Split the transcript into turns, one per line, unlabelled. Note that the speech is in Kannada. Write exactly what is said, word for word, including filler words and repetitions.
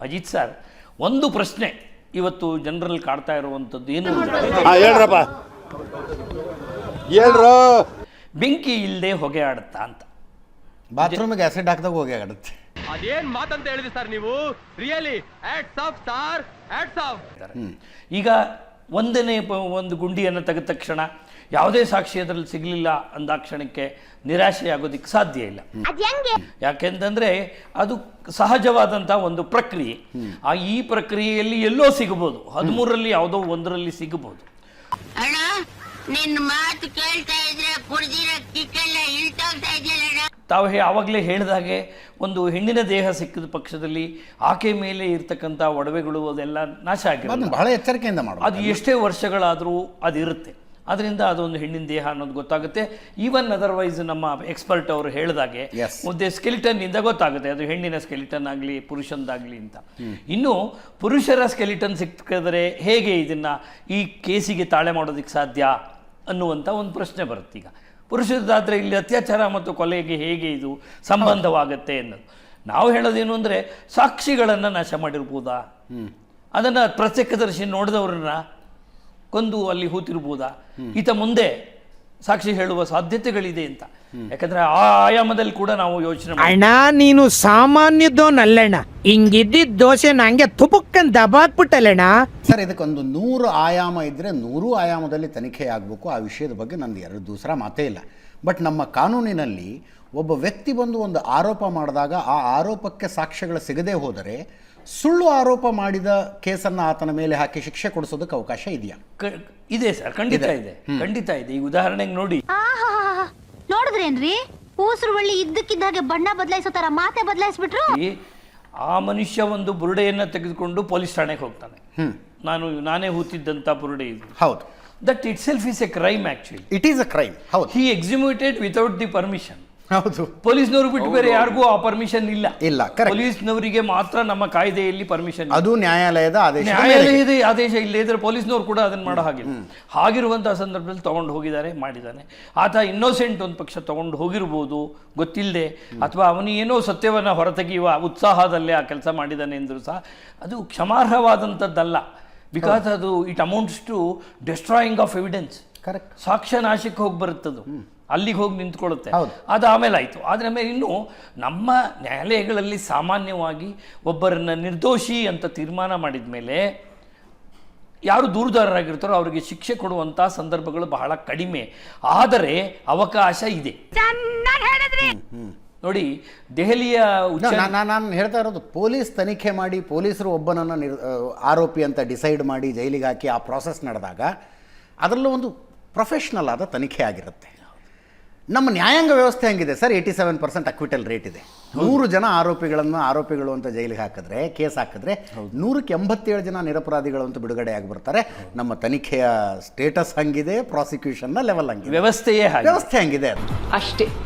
ಅಜಿತ್ ಸರ್, ಒಂದು ಪ್ರಶ್ನೆ ಇವತ್ತು ಜನರಲ್ಲಿ ಕಾಡ್ತಾ ಇರುವಂಥದ್ದು ಏನು
ಹೇಳ್ರಪ್ಪ ಹೇಳ್ರು
ಬೆಂಕಿ ಇಲ್ಲದೆ ಹೊಗೆ ಆಡುತ್ತಾ ಅಂತ.
ಬಾತ್ರೂಮಿಗೆ ಆಸಿಡ್ ಹಾಕಿದಾಗ ಹೋಗಿ ಆಗುತ್ತೆ.
ಅದೇನ್ ಮಾತಂತ ಹೇಳಿದ್ರಿ ಸರ್ ನೀವು? Really hats off sir, hats off.
ಈಗ ಒಂದನೇ ಒಂದು ಗುಂಡಿಯನ್ನು ತೆಗೆದ ತಕ್ಷಣ ಯಾವುದೇ ಸಾಕ್ಷಿ ಅದರಲ್ಲಿ ಸಿಗಲಿಲ್ಲ ಅಂದಾಕ್ಷಣಕ್ಕೆ ನಿರಾಶೆ ಆಗೋದಕ್ಕೆ ಸಾಧ್ಯ ಇಲ್ಲ. ಯಾಕೆಂತಂದ್ರೆ ಅದು ಸಹಜವಾದಂಥ ಒಂದು ಪ್ರಕ್ರಿಯೆ. ಆ ಈ ಪ್ರಕ್ರಿಯೆಯಲ್ಲಿ ಎಲ್ಲೋ ಸಿಗಬಹುದು, ಹದಿಮೂರರಲ್ಲಿ ಯಾವುದೋ ಒಂದರಲ್ಲಿ ಸಿಗಬಹುದು.
ಅಣ್ಣ ನಿನ್ನ ಮಾತು ಕೇಳ್ತಾ ಇದ್ರೆ ಕುಡಿದಿರೋ ಕಿಕ್ಕೆಲ್ಲ ಇಳ್ತೋಗ್ತಾ ಇದೆಯಲ್ಲ.
ತಾವು ಹೇ ಆವಾಗಲೇ ಹೇಳಿದಾಗೆ ಒಂದು ಹೆಣ್ಣಿನ ದೇಹ ಸಿಕ್ಕಿದ ಪಕ್ಷದಲ್ಲಿ ಆಕೆ ಮೇಲೆ ಇರ್ತಕ್ಕಂಥ ಒಡವೆಗಳು ಅದೆಲ್ಲ ನಾಶ ಆಗಿರೋದು
ಬಹಳ ಎಚ್ಚರಿಕೆಯಿಂದ ಮಾಡೋದು.
ಅದು ಎಷ್ಟೇ ವರ್ಷಗಳಾದರೂ ಅದಿರುತ್ತೆ. ಅದರಿಂದ ಅದೊಂದು ಹೆಣ್ಣಿನ ದೇಹ ಅನ್ನೋದು ಗೊತ್ತಾಗುತ್ತೆ. ಈವನ್ ಅದರ್ವೈಸ್ ನಮ್ಮ ಎಕ್ಸ್ಪರ್ಟ್ ಅವರು ಹೇಳಿದಾಗೆ ಒಂದು ಸ್ಕೆಲಿಟನ್ ಇಂದ ಗೊತ್ತಾಗುತ್ತೆ ಅದು ಹೆಣ್ಣಿನ ಸ್ಕೆಲಿಟನ್ ಆಗಲಿ ಪುರುಷಂದಾಗಲಿ ಅಂತ. ಇನ್ನು ಪುರುಷರ ಸ್ಕೆಲಿಟನ್ ಸಿಕ್ಕಿದ್ರೆ ಹೇಗೆ ಇದನ್ನ ಈ ಕೇಸಿಗೆ ತಾಳೆ ಮಾಡೋದಕ್ಕೆ ಸಾಧ್ಯ ಅನ್ನುವಂಥ ಒಂದು ಪ್ರಶ್ನೆ ಬರುತ್ತೆ. ಈಗ ಪುರುಷರದಾದರೆ ಇಲ್ಲಿ ಅತ್ಯಾಚಾರ ಮತ್ತು ಕೊಲೆಗೆ ಹೇಗೆ ಇದು ಸಂಬಂಧವಾಗುತ್ತೆ ಅನ್ನೋದು ನಾವು ಹೇಳೋದೇನು ಅಂದರೆ ಸಾಕ್ಷಿಗಳನ್ನು ನಾಶ ಮಾಡಿರ್ಬೋದಾ, ಅದನ್ನು ಪ್ರತ್ಯಕ್ಷದರ್ಶಿ ನೋಡಿದವ್ರನ್ನ ಕೊಂದು ಅಲ್ಲಿ ಹೂತಿರ್ಬೋದಾ, ಈತ ಮುಂದೆ ಸಾಕ್ಷಿ ಹೇಳುವ ಸಾಧ್ಯತೆಗಳಿದೆ ಅಂತ. ಯಾಕಂದ್ರೆ ಆ ಆಯಾಮದಲ್ಲಿ ಕೂಡ ನಾವು ಯೋಚನೆ
ಅಣ್ಣ ನೀನು ಸಾಮಾನ್ಯದೋನಲ್ಲಣ್ಣ, ಹಿಂಗಿದ್ದಿದ್ದ ದೋಸೆ ನಂಗೆ ತುಪಕ್ಕನ್ ದಬಾಕ್ಬಿಟ್ಟಲ್ಲಣ್ಣ.
ಸರ್ ಇದಕ್ಕೊಂದು ನೂರು ಆಯಾಮ ಇದ್ದರೆ ನೂರು ಆಯಾಮದಲ್ಲಿ ತನಿಖೆ ಆಗಬೇಕು. ಆ ವಿಷಯದ ಬಗ್ಗೆ ನಂದು ಎರಡು ದೂಸರ ಮಾತೇ ಇಲ್ಲ. ಬಟ್ ನಮ್ಮ ಕಾನೂನಿನಲ್ಲಿ ಒಬ್ಬ ವ್ಯಕ್ತಿ ಬಂದು ಒಂದು ಆರೋಪ ಮಾಡಿದಾಗ ಆ ಆರೋಪಕ್ಕೆ ಸಾಕ್ಷ್ಯಗಳು ಸಿಗದೇ ಹೋದರೆ ಸುಳ್ಳು ಆರೋಪ ಮಾಡಿದ ಕೇಸನ್ನು ಆತನ ಮೇಲೆ ಹಾಕಿ ಶಿಕ್ಷೆ ಕೊಡಿಸೋದಕ್ಕೆ ಅವಕಾಶ ಇದೆಯಾ?
ಇದೆ ಸರ್, ಖಂಡಿತ ಇದೆ, ಖಂಡಿತ ಇದೆ. ಈ ಉದಾಹರಣೆಗೆ ನೋಡಿ,
ನೋಡಿದ್ರೇನ್ರಿ ಊಸರು ಬಳ್ಳಿ ಇದ್ದಕ್ಕಿದ್ದಾಗೆ ಬಣ್ಣ ಬದಲಾಯಿಸೋ ತರ ಮಾತೆ ಬದಲಾಯಿಸ್ಬಿಟ್ರು.
ಆ ಮನುಷ್ಯ ಒಂದು ಬುರುಡೆಯನ್ನ ತೆಗೆದುಕೊಂಡು ಪೊಲೀಸ್ ಠಾಣೆಗೆ ಹೋಗ್ತಾನೆ. ನಾನು ನಾನೇ ಹೂತಿದ್ದಂತ ಬುರುಡೆ ಇದು.
ಹೌದು.
That itself is a crime. Actually
it is a crime. ಹೌದು.
He exhumed without the permission.
ಹೌದು.
ಪೊಲೀಸ್ನವರು ಬಿಟ್ಟು ಬೇರೆ ಯಾರಿಗೂ ಆ ಪರ್ಮಿಷನ್ ಇಲ್ಲ.
ಇಲ್ಲ.
ಪೊಲೀಸ್ನವರಿಗೆ ಮಾತ್ರ ನಮ್ಮ ಕಾಯ್ದೆಯಲ್ಲಿ ಪರ್ಮಿಷನ್.
ಅದು ನ್ಯಾಯಾಲಯದ ಆದೇಶ.
ನ್ಯಾಯಾಲಯದ ಆದೇಶ ಇಲ್ಲದೆ ಇದ್ರೆ ಪೊಲೀಸ್ನವರು ಕೂಡ ಅದನ್ನ ಮಾಡೋ ಹಾಗಿಲ್ಲ. ಹಾಗಿರುವಂತಹ ಸಂದರ್ಭದಲ್ಲಿ ತಗೊಂಡು ಹೋಗಿದ್ದಾರೆ, ಮಾಡಿದ್ದಾನೆ. ಆತ ಇನ್ನೋಸೆಂಟ್ ಒಂದು ಪಕ್ಷ ತಗೊಂಡು ಹೋಗಿರ್ಬೋದು ಗೊತ್ತಿಲ್ಲದೆ, ಅಥವಾ ಅವನು ಏನೋ ಸತ್ಯವನ್ನ ಹೊರತೆಗೆಯುವ ಉತ್ಸಾಹದಲ್ಲೇ ಆ ಕೆಲಸ ಮಾಡಿದ್ದಾನೆ ಎಂದರೂ ಸಹ ಅದು ಕ್ಷಮಾರ್ಹವಾದಂಥದ್ದಲ್ಲ. ಬಿಕಾಸ್ ಅದು it amounts to destroying of evidence.
Correct.
ಸಾಕ್ಷ್ಯ ನಾಶಕ್ಕೆ ಹೋಗಿ ಬರುತ್ತದು, ಅಲ್ಲಿಗೆ ಹೋಗಿ ನಿಂತ್ಕೊಳ್ಳುತ್ತೆ. ಅದು ಆಮೇಲೆ ಆಯಿತು. ಆದರೆ ಮೇಲೆ ಇನ್ನು ನಮ್ಮ ನ್ಯಾಯಾಲಯಗಳಲ್ಲಿ ಸಾಮಾನ್ಯವಾಗಿ ಒಬ್ಬರನ್ನ ನಿರ್ದೋಷಿ ಅಂತ ತೀರ್ಮಾನ ಮಾಡಿದ ಮೇಲೆ ಯಾರು ದೂರುದಾರರಾಗಿರ್ತಾರೋ ಅವರಿಗೆ ಶಿಕ್ಷೆ ಕೊಡುವಂಥ ಸಂದರ್ಭಗಳು ಬಹಳ ಕಡಿಮೆ. ಆದರೆ ಅವಕಾಶ ಇದೆ. ನೋಡಿ, ದೆಹಲಿಯ
ನಾನು ಹೇಳ್ತಾ ಇರೋದು ಪೊಲೀಸ್ ತನಿಖೆ ಮಾಡಿ ಪೊಲೀಸರು ಒಬ್ಬನನ್ನು ನಿರ್ ಆರೋಪಿ ಅಂತ ಡಿಸೈಡ್ ಮಾಡಿ ಜೈಲಿಗೆ ಹಾಕಿ ಆ ಪ್ರಾಸೆಸ್ ನಡೆದಾಗ ಅದರಲ್ಲೂ ಒಂದು ಪ್ರೊಫೆಷ್ನಲ್ ಆದ ತನಿಖೆ ಆಗಿರುತ್ತೆ. ನಮ್ಮ ನ್ಯಾಯಾಂಗ ವ್ಯವಸ್ಥೆ ಹೆಂಗಿದೆ ಸರ್? Eighty seven percent acquittal rate ಇದೆ. ನೂರು ಜನ ಆರೋಪಿಗಳನ್ನು ಆರೋಪಿಗಳು ಅಂತ ಜೈಲಿಗೆ ಹಾಕಿದ್ರೆ, ಕೇಸ್ ಹಾಕಿದ್ರೆ ನೂರಕ್ಕೆ ಎಂಬತ್ತೇಳು ಜನ ನಿರಪರಾಧಿಗಳು ಅಂತ ಬಿಡುಗಡೆ ಆಗಿ ಬರ್ತಾರೆ. ನಮ್ಮ ತನಿಖೆಯ ಸ್ಟೇಟಸ್ ಹಂಗಿದೆ, ಪ್ರಾಸಿಕ್ಯೂಷನ್ನ ಲೆವೆಲ್ ಹಂಗಿದೆ,
ವ್ಯವಸ್ಥೆಯೇ
ವ್ಯವಸ್ಥೆ ಹಂಗಿದೆ
ಅಷ್ಟೇ.